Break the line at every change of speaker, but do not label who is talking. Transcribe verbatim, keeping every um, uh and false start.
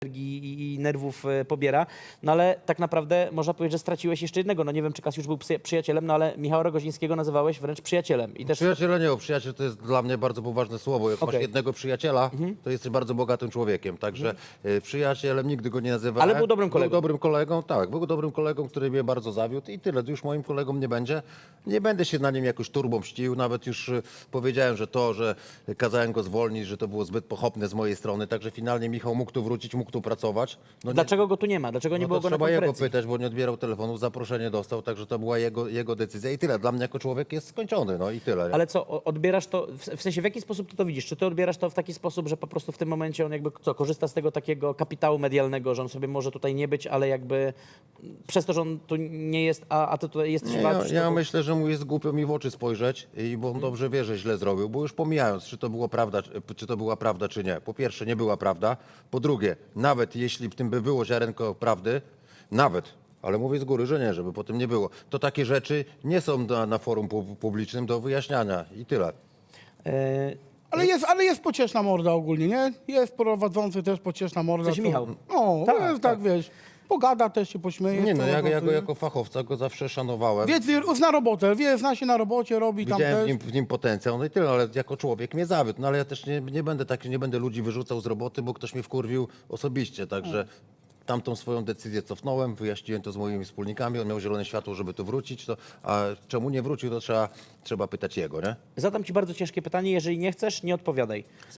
energii i, i nerwów e, pobiera. No ale tak naprawdę można powiedzieć, że straciłeś jeszcze jednego. No nie wiem, czy Kasiusz był psy- przyjacielem, no ale Michała Rogozińskiego nazywałeś wręcz przyjacielem. I też
Przyjaciela nie, bo przyjaciel to jest dla mnie bardzo poważne słowo. Jak
Okej.
masz jednego przyjaciela, to jesteś bardzo bogatym człowiekiem. Także y, przyjacielem nigdy go nie nazywałem.
Ale był dobrym kolegą.
Był dobrym kolegą, tak. Był dobrym kolegą, który mnie bardzo zawiódł i tyle. Już moim kolegą nie będzie. Nie będę się na nim jakoś turbą mścił. Nawet już y, powiedziałem, że to, że kazałem go zwolnić, że to było zbyt pochopne z mojej strony. Także finalnie Michał mógł tu wrócić, mógł tu pracować. No nie-
dlaczego go tu nie ma? Dlaczego nie
no
było
to
go na
trzeba jego
konferencji?
pytać, bo nie odbierał telefonów, zaproszenie dostał, także to była jego, jego decyzja i tyle. Dla mnie jako człowiek jest skończony, no i tyle. Nie?
Ale co, o- odbierasz to, w w sensie w jaki sposób ty to widzisz? Czy ty odbierasz to w taki sposób, że po prostu w tym momencie on jakby co, korzysta z tego takiego kapitału medialnego, że on sobie może tutaj nie być, ale jakby przez to, że on tu nie jest, a, a ty tutaj jesteś
Nie, ja,
walczysz,
ja
to...
myślę, że mu jest głupio mi w oczy spojrzeć i bo on dobrze wie, że źle zrobił, bo już pomijając, czy to, było prawda, czy- czy to była prawda, czy nie. Po pierwsze, nie była prawda. Po drugie, nawet jeśli w tym by było ziarenko prawdy, nawet, ale mówię z góry, że nie, żeby potem nie było, to takie rzeczy nie są na, na forum pu- publicznym do wyjaśniania i tyle.
E,
Ale jest, ale jest pocieszna morda ogólnie, nie? Jest prowadzący też pocieszna morda.
W sensie
co-
Michał.
No,
Tak,
tak, jest,
tak.
tak, wiesz, pogada też się pośmieje.
Nie no, ja,
prowadzący,
ja go
nie?
jako fachowca go zawsze szanowałem.
Wie, wie, zna robotę, wie, zna się na robocie, robi tam
Widziałem w
też.
nim, w nim potencjał, no i tyle, ale jako człowiek mnie zawiódł. No ale ja też nie, nie będę taki, nie będę ludzi wyrzucał z roboty, bo ktoś mnie wkurwił osobiście, także tamtą swoją decyzję cofnąłem, wyjaśniłem to z moimi wspólnikami, on miał zielone światło, żeby tu wrócić, to, a czemu nie wrócił, to trzeba, trzeba pytać jego, nie?
Zadam ci bardzo ciężkie pytanie, jeżeli nie chcesz, nie odpowiadaj.